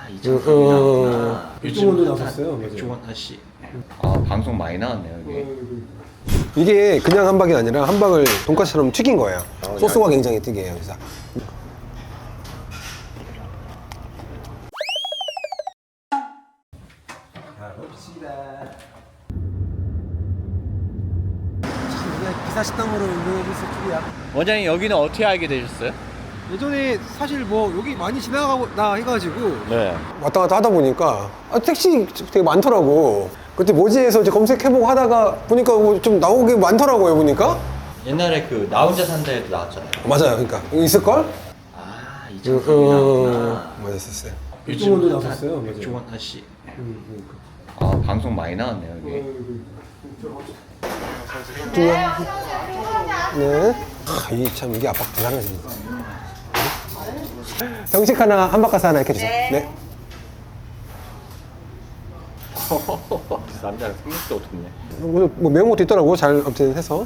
이 장소구나. 백종원도 나섰어요. 백종원 아씨. 아 방송 많이 나왔네요 여기. 이게 그냥 함박이 아니라 함박을 돈까스처럼 튀긴 거예요. 소스가 굉장히 특이해요. 그래서 기사 식당으로 유명해질 줄이야. 원장님 여기는 어떻게 알게 되셨어요? 예전에 사실 뭐 여기 많이 지나가다 해가지고 네. 왔다 갔다 하다 보니까 택시 되게 많더라고. 그때 뭐지 해서 이제 검색해보고 하다가 보니까 뭐좀 나오게 많더라고요. 보니까 옛날에 그 나 혼자 산다에도 나왔잖아요. 맞아요. 그러니까 있을걸? 아이 장소구나. 맞았었어요. 백종원도 나섰어요. 백종원 아씨. 아 방송 많이 나왔네요 여기. 네. 참 이게 압박 대단하지. 정식 하나, 함박가스 하나 이렇게 주세요. 네. 남자는 생각도 못했네. 뭐 매운 것도 있더라고. 잘 아무튼 해서.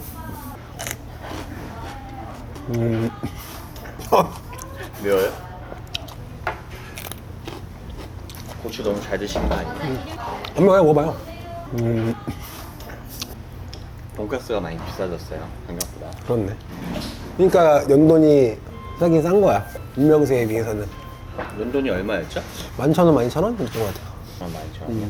매워요? 고추 너무 잘 드시는 거 아니에요? 안 매워요. 먹어봐요. 돈가스가 많이 비싸졌어요 생각보다. 그렇네. 그러니까 연돈이 싸긴 싼 거야. 유명세에 비해서는. 런던이 얼마였죠? 11,000원, 12,000원? 이랬던 것 같아요. 12,000원.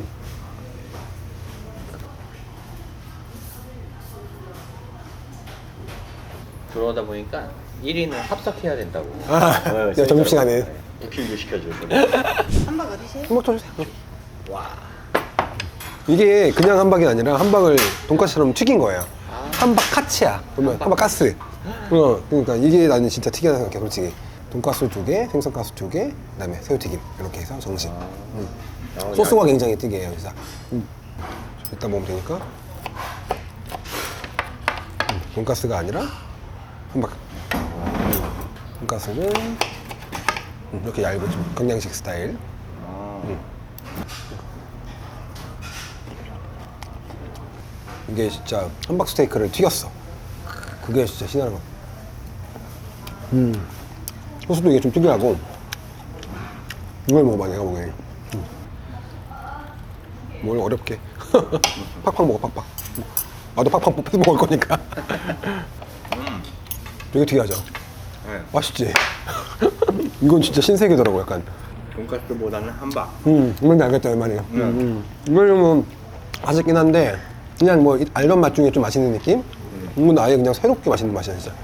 들어오다 보니까 1인은 합석해야 된다고. 네, 점심시간에. 부킹도 시켜주고. 한박 어디세요? 함박 더 주세요. 와. 이게 그냥 함박이 아니라 함박을 돈까스처럼 튀긴 거예요. 함박 카츠야. 보면 함박 가스. 그러니까 이게 나는 진짜 특이하다 생각해, 솔직히. 돈가스 2개, 생선가스 2개, 그다음에 새우튀김 이렇게 해서 정식. 소스가 굉장히 특이해요. 그래서 이따 먹으면 되니까. 돈가스가 아니라 함박. 돈가스는 이렇게 얇은 좀 경양식 스타일. 이게 진짜 함박 스테이크를 튀겼어. 그게 진짜 신나는 거. 소스도 이게 좀 특이하고. 이걸 먹어봐, 내가 보기엔. 뭘 어렵게. 팍팍 먹어, 팍팍. 나도 팍팍 뺏어 먹을 거니까. 되게 특이하죠? 네. 맛있지? 이건 진짜 신세계더라고, 약간. 돈가스보다는 함박. 뭔지 알겠다, 이 말이야. 이거는 뭐, 맛있긴 한데, 그냥 뭐, 알던 맛 중에 좀 맛있는 느낌? 이건 아예 그냥 새롭게 맛있는 맛이야, 진짜.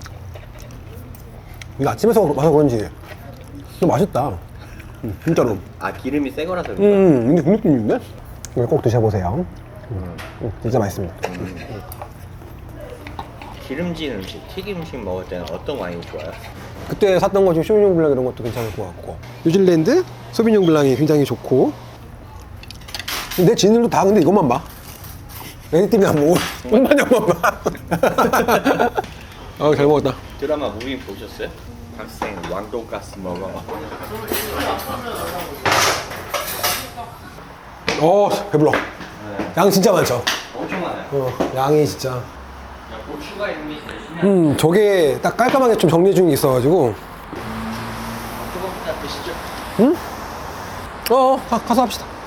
이거 아침에 와서 그런지, 좀 맛있다. 진짜로. 아 기름이 새 거라서 그런가? 근데 그 느낌인데? 이거 꼭 드셔보세요. 진짜 맛있습니다. 기름진 음식, 튀김 음식 먹을 때는 어떤 와인이 좋아요? 그때 샀던 거 중에 쇼비뇽 블랑 이런 것도 괜찮을 것 같고. 뉴질랜드 소비뇽 블랑이 굉장히 좋고. 내 지인들도 다 근데 이것만 봐. 애니 때문에 안 먹어. 똥마냥만 봐. 아, 잘 먹었다. 드라마 무빙 보셨어요? 학생 왕돈가스 먹어. 배불러. 양 진짜 많죠? 엄청 많아요. 양이 진짜. 고추가 이미 되시면 저게 딱 깔끔하게 좀 정리 중에 있어가지고. 조금만 드시죠. 가서 합시다.